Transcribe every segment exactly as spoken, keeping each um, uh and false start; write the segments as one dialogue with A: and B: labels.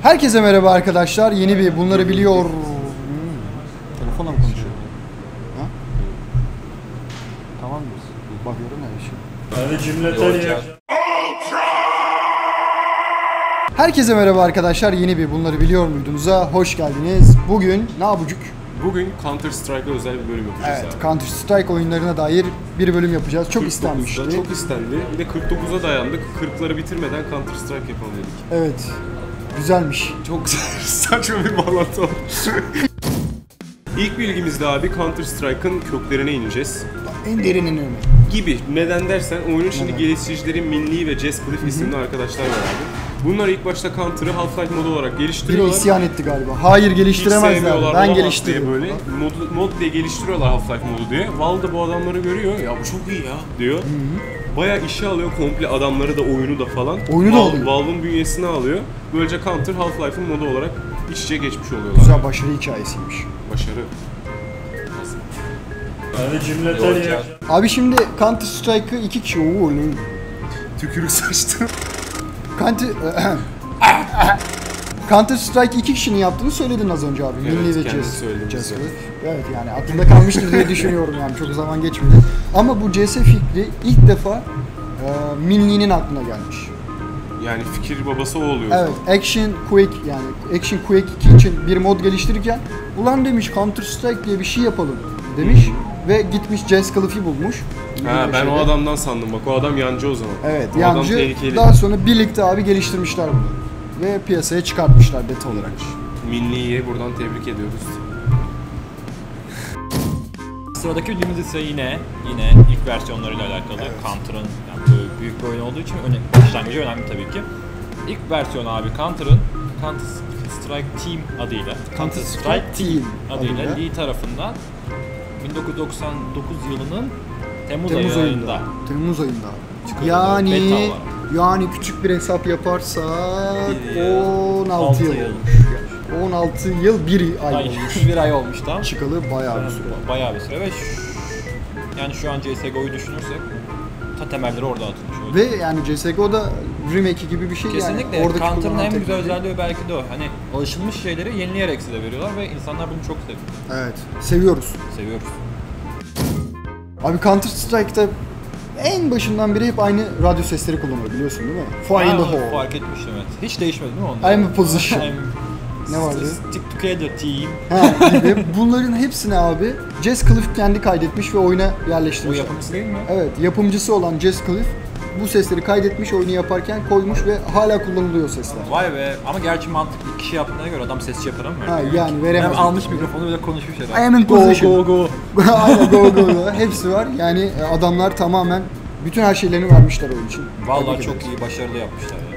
A: Herkese merhaba arkadaşlar. Yeni bir bunları biliyor. Hmm. Telefonla mı konuşuyor? Ha? Tamam mıyız? Bakıyorum ya bir şey.
B: Hadi cümleten ya.
A: Herkese merhaba arkadaşlar. Yeni bir bunları biliyor muydunuza hoş geldiniz. Bugün ne yapacak?
C: Bugün Counter Strike'a özel bir bölüm yapacağız
A: Evet,
C: abi.
A: Counter Strike oyunlarına dair bir bölüm yapacağız. Çok istenmişti.
C: Çok istendi. Bir de kırk dokuza dayandık. kırkları bitirmeden Counter Strike yapalım dedik.
A: Evet. Güzelmiş.
C: Çok saçma bir bağlantı oldu. İlk bilgimizde abi Counter Strike'ın köklerine ineceğiz.
A: En derinin önü.
C: Gibi. Neden dersen oyunun şimdi
A: Neden?
C: geliştiricileri Minli ve Jess Cliff isimli arkadaşlar var abi. Bunlar ilk başta Counter'ı Half-Life modu olarak
A: Biri
C: geliştiriyorlar.
A: isyan etti galiba. Hayır,
C: Hiç
A: geliştiremezler.
C: sevmiyorlar,
A: Ben
C: olamaz
A: geliştiririm.
C: diye böyle mod, mod diye geliştiriyorlar Half-Life modu diye. Valve da bu adamları görüyor. Ya bu çok iyi ya diyor. Hı-hı. Bayağı işe alıyor komple adamları da oyunu da falan.
A: Oyunu da
C: Valve,
A: alıyor.
C: Valve'ın bünyesine alıyor. Böylece Counter Half-Life'ın modu olarak iç içe geçmiş oluyorlar.
A: Güzel başarı hikayesiymiş.
C: Başarı.
B: Hadi cümleten ya.
A: Abi şimdi Counter Strike'ı iki kişi... Oo, ne?
C: Tükürük saçtı.
A: Counter... Counter Strike iki kişinin yaptığını söyledin az önce abi.
C: Evet,
A: Minli ve
C: kendim
A: Jess.
C: söyledim
A: Jess
C: zaten.
A: Cliff. Evet, yani aklımda kalmıştır diye düşünüyorum yani, çok zaman geçmedi. Ama bu C S fikri ilk defa e, Minli'nin aklına gelmiş.
C: Yani fikir babası o oluyor.
A: Evet, Action Quake yani Action Quake iki için bir mod geliştirirken ulan demiş Counter Strike diye bir şey yapalım demiş ve gitmiş Jess Cliff'i bulmuş.
C: Ha, ben
A: şeyde.
C: o adamdan sandım bak, o adam yancı o zaman.
A: Evet,
C: o
A: yancı.
C: adam tehlikeli.
A: Daha sonra birlikte abi geliştirmişler bunu ve piyasaya çıkartmışlar beta olarak.
C: Minli'ye buradan tebrik ediyoruz.
D: Sıradaki bildiğimiz ise yine yine ilk versiyonlarıyla alakalı. Evet. Counter'ın yani böyle büyük bir oyun olduğu için öne, başlangıcı önemli tabii ki. İlk versiyonu abi Counter'ın Counter Strike Team adıyla
A: Counter Strike Team
D: adıyla
A: adıyla
D: Lee tarafından bin dokuz yüz doksan dokuz yılının Temmuz,
A: Temmuz
D: ayında,
A: ayında. Temmuz ayında.
D: çıkarıldı.
A: Yani
D: Beta olarak.
A: yani küçük bir hesap yaparsak
D: Bir yıl,
A: on altı
D: altı
A: yıl
D: yıl.
A: olmuş. on altı yıl bir ay
D: Ay,
A: olmuş.
D: bir ay olmuş tam.
A: Çıkalı bayağı bir süre.
D: Bayağı bir süre ve şu, yani şu an C S G O'yu düşünürsek ta temelleri orada atılmış. Öyle.
A: Ve yani C S G O'da remake gibi bir şey.
D: Kesinlikle.
A: Yani. Oradaki
D: Counter'ın en güzel
A: teknoloji.
D: özelliği belki de o. Hani alışılmış şeyleri yenileyerek size veriyorlar ve insanlar bunu çok seviyor.
A: Evet. Seviyoruz.
D: Seviyoruz.
A: Abi Counter Strike'da en başından beri hep aynı radyo sesleri kullanıyor, biliyorsun değil mi? Fire in the hole.
D: Fark etmiştim, evet. Hiç değişmedi değil mi onlar?
A: I'm a position.
D: I'm
A: Ne vardı?
D: Stick together team.
A: Ha, gibi. Bunların hepsini abi Jess Cliff kendi kaydetmiş ve oyuna yerleştirmiş.
D: O yapımcısı değil mi?
A: Evet, yapımcısı olan Jess Cliff bu sesleri kaydetmiş, oyunu yaparken koymuş ve hala kullanılıyor sesler.
D: Vay be, ama gerçi mantıklı kişi yaptığına göre adam sesçi yapar ama.
A: Ha, yani veremez.
D: Hem almış mikrofonu bile konuşmuş herhalde.
A: I am in position.
D: Go go go.
A: Aynen, go go go. Hepsi var. Yani adamlar tamamen bütün her şeylerini vermişler oyun için.
D: Vallahi
A: Tebrik
D: çok
A: ederiz.
D: iyi, başarılı yapmışlar ya.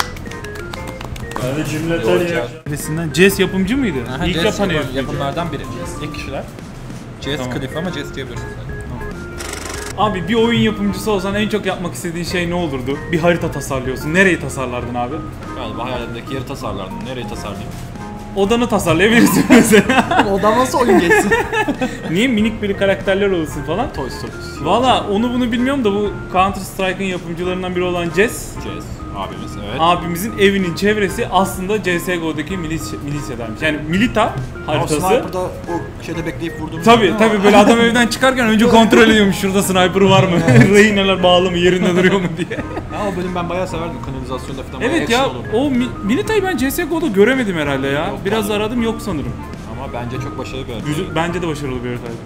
B: Hadi cümleten ya.
E: Birisinden Jess yapımcı mıydı?
D: Aha,
E: İlk
D: Jess
E: yapan
D: yapım-
E: herif.
D: yapımlardan biri. İlk kişiler. Jess
E: Tamam.
D: Cliff ama Jess diyebilirsin sen.
E: Abi bir oyun yapımcısı olsan en çok yapmak istediğin şey ne olurdu? Bir harita tasarlıyorsun. Nereyi tasarlardın abi?
D: Galiba hayalimdeki yeri tasarlardım. Nereyi tasarlayayım?
E: Odanı tasarlayabilirsin mesela.
A: Oda nasıl oyun geçsin?
E: Niye minik bir karakterler olsun falan?
D: Toy Story.
E: Valla onu bunu bilmiyorum da bu Counter Strike'ın yapımcılarından biri olan Jess
D: Jess abimiz, evet.
E: abimizin evinin çevresi aslında C S G O'daki milis milisyadanmış. Yani milita haritası.
D: O sniper'da o şeyde bekleyip vurduğumuz.
E: Tabii tabii, böyle adam evden çıkarken önce kontrol ediyormuş, şurada sniper var mı? Rehineler bağlı mı? Yerinde duruyor mu diye.
D: Ya o bölüm ben bayağı severdim, kanalizasyonda falan.
E: Evet ya, o mi- Milita'yı ben C S G O'da göremedim herhalde ya.
D: Yok,
E: Biraz
D: vallahi.
E: aradım, yok sanırım.
D: Ama bence çok başarılı bir harita.
E: Güzel, bence de başarılı bir haritaydı.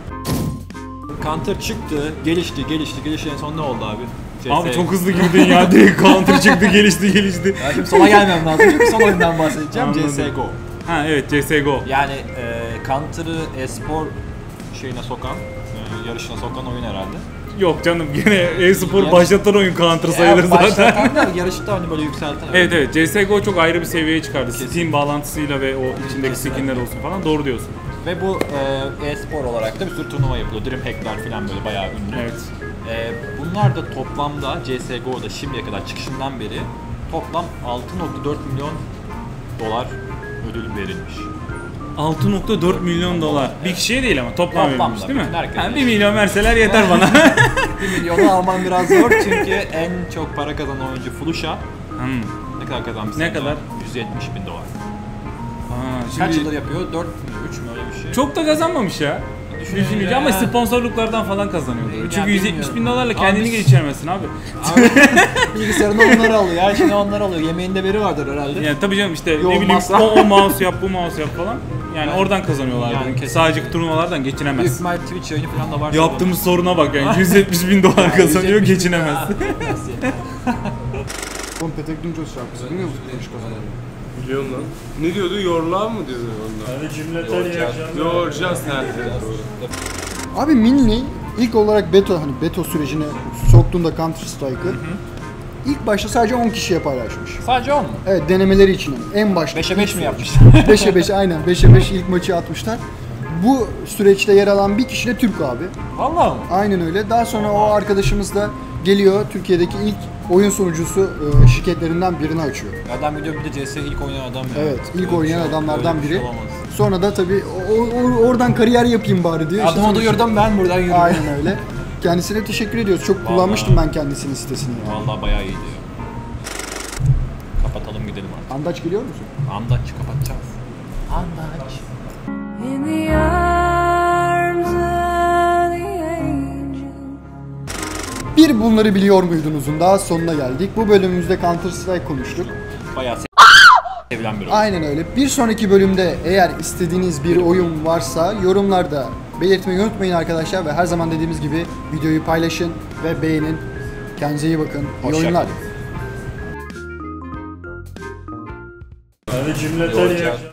D: Counter çıktı, gelişti, gelişti, gelişti. En son ne oldu abi? C S...
E: Abi çok hızlı girdin ya, direkt counter çıktı, gelişti gelişti.
D: Ya şimdi sona gelmem lazım çünkü son oyundan bahsedeceğim.
E: Anladım.
D: C S G O.
E: Ha evet, C S G O.
D: Yani e, Counter'ı e-spor şeyine sokan, e, yarışına sokan oyun herhalde.
E: Yok canım, gene e-spor
D: Yarış-
E: başlatan oyun Counter sayılır
D: Ya
E: zaten.
D: başlatan da yarışta hani böyle yükselten.
E: Evet evet, C S G O çok ayrı bir seviyeye çıkardı.
D: Kesin.
E: Steam bağlantısıyla ve o içindeki
D: Kesin.
E: skinler olsun falan, doğru diyorsun.
D: Ve bu e, e-spor olarak da bir sürü turnuva yapılıyor. Dreamhack'ler falan böyle bayağı ünlü.
E: Evet.
D: E, bunlar da toplamda C S G O'da şimdiye kadar çıkışından beri toplam altı nokta dört milyon dolar ödül verilmiş.
E: altı nokta dört milyon dolar. Bir kişiye değil ama toplam
D: Toplamda,
E: verilmiş değil mi?
D: bütün herkese.
E: Ha, bir milyon verseler yeter bana.
D: bir milyonu alman biraz zor çünkü en çok para kazanan oyuncu Flusha.
E: Hmm.
D: Ne kadar kazanmış?
E: Ne
D: sence?
E: kadar?
D: yüz yüz yetmiş bin dolar.
E: Ha,
D: Kaç
E: şimdi
D: yıldır yapıyor? dört mü? üç mü öyle bir şey?
E: çok da kazanmamış ya.
D: Düşününce
E: Düşününce ama
D: ya.
E: sponsorluklardan falan kazanıyordur.
D: Ya
E: Çünkü yüz yetmiş bin
D: bilmiyorum.
E: dolarla
D: Abi
E: kendini
D: biz-
E: geçiremezsin abi.
D: Abi bilgisayarında onları alıyor. Her şeyini onlar alıyor. Yemeğinde veri vardır herhalde.
E: Yani tabii canım işte
A: Yo,
E: ne bileyim
A: masraf.
E: o, o mouse yap bu mouse yap falan. Yani
D: Yani-
E: oradan kazanıyorlardı.
D: Yani kesinlikle.
E: Sadece turnuvalardan
D: Büyük
E: geçinemez.
D: ihtimal Twitch yayını falan da var.
E: Yaptığımız soruna bak yani yüz yetmiş bin dolar kazanıyor geçinemez.
A: Oğlum Petek Duncos şarkısı biliyor musun? Konuş kazanıyor.
C: Biliyorum lan. Ne diyordu? Your love mı diyordu onlar?
B: Hadi cümleten iyi akşamlar.
C: Your just ha.
A: Abi Minli ilk olarak beta hani beta sürecine soktuğunda Counter Strike'ı ilk başta sadece on kişiye paylaşmış.
D: Sadece on mu?
A: Evet denemeleri için en başta.
D: beşe beş mi yapmış?
A: beşe beş aynen beşe beş ilk maçı atmışlar. Bu süreçte yer alan bir kişi de Türk abi.
D: Vallahi mı?
A: Aynen öyle. Daha sonra o arkadaşımız da geliyor Türkiye'deki ilk oyun sunucusu e, şirketlerinden birini açıyor.
D: Adam biliyor bir de C S ilk oynayan adam ya.
A: Evet, ilk
D: Öyle bir
A: oynayan
D: şey-
A: adamlardan
D: öyle bir şey
A: biri.
D: olamaz.
A: Sonra da tabii o- o- oradan kariyer yapayım bari diyor. İşte
D: Adımı
A: sonuçta-
D: duyurdum ben buradan yürüyorum.
A: Aynen öyle. Kendisine teşekkür ediyoruz. Çok kullanmıştım ben kendisinin sitesini. Yani.
D: Vallahi bayağı iyiydi ya. Kapatalım gidelim artık.
A: Andaç geliyor musun?
D: Andaç kapatacağız. Andaç.
F: In the arms of the angel.
A: Bir bunları biliyor muydunuzun daha sonuna geldik. Bu bölümümüzde Counter Strike konuştuk.
D: Bayağı se- sevilen bir oyun.
A: Aynen öyle. Bir sonraki bölümde eğer istediğiniz bir oyun varsa yorumlarda belirtmeyi unutmayın arkadaşlar ve her zaman dediğimiz gibi videoyu paylaşın ve beğenin. Kendinize iyi bakın. İyi
D: Hoşça
A: oyunlar.
D: kalın.
B: Hadi cümleten iyi akşamlar.